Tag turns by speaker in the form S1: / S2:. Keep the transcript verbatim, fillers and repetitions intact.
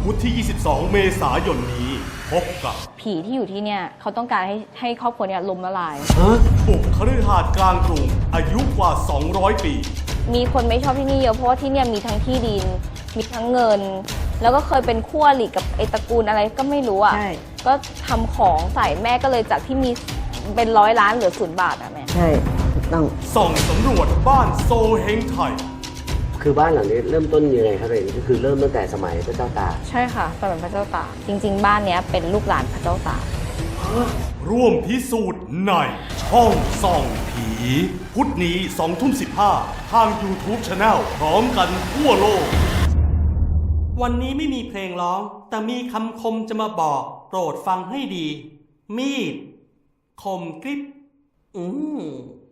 S1: พุธที่ ยี่สิบสอง เมษายนนี้พบกับ
S2: ผีที่อยู่ที่เนี่ยเขาต้องการให้ให้ครอบครัวเนี่ยล้มละลาย
S1: บุกคฤหาสน์กลางกรุงอายุกว่า สองร้อย ปี
S2: มีคนไม่ชอบที่นี่เยอะเพราะว่าที่เนี่ยมีทั้งที่ดินมีทั้งเงินแล้วก็เคยเป็นคู่อริกับไอตระกูลอะไรก็ไม่รู้อ่ะก็ทำของใส่แม่ก็เลยจากที่มีเป็นร้อยล้านเหลือศูนย์บาทอ่ะแม่
S3: ใช่ถูกต้อง
S1: ส่องสำรวจบ้านโซเฮงไทย
S4: คือบ้านหลังนี้เริ่มต้นยังไงครับเองก็คือเริ่มตั้งแต่สมัยพระเจ้าตาก
S2: ใช่ค่ะสมัยพระเจ้าตากจริงๆบ้านเนี้ยเป็นลูกหลานพระเจ้าตาก
S1: ร่วมพิสูจน์ในช่องส่องผีพุธนี้สองทุ่มสิบห้าทาง YouTube Channel พร้อมกันทั่วโลก
S5: วันนี้ไม่มีเพลงร้องแต่มีคำคมจะมาบอกโปรดฟังให้ดีมีดคมกริบอืม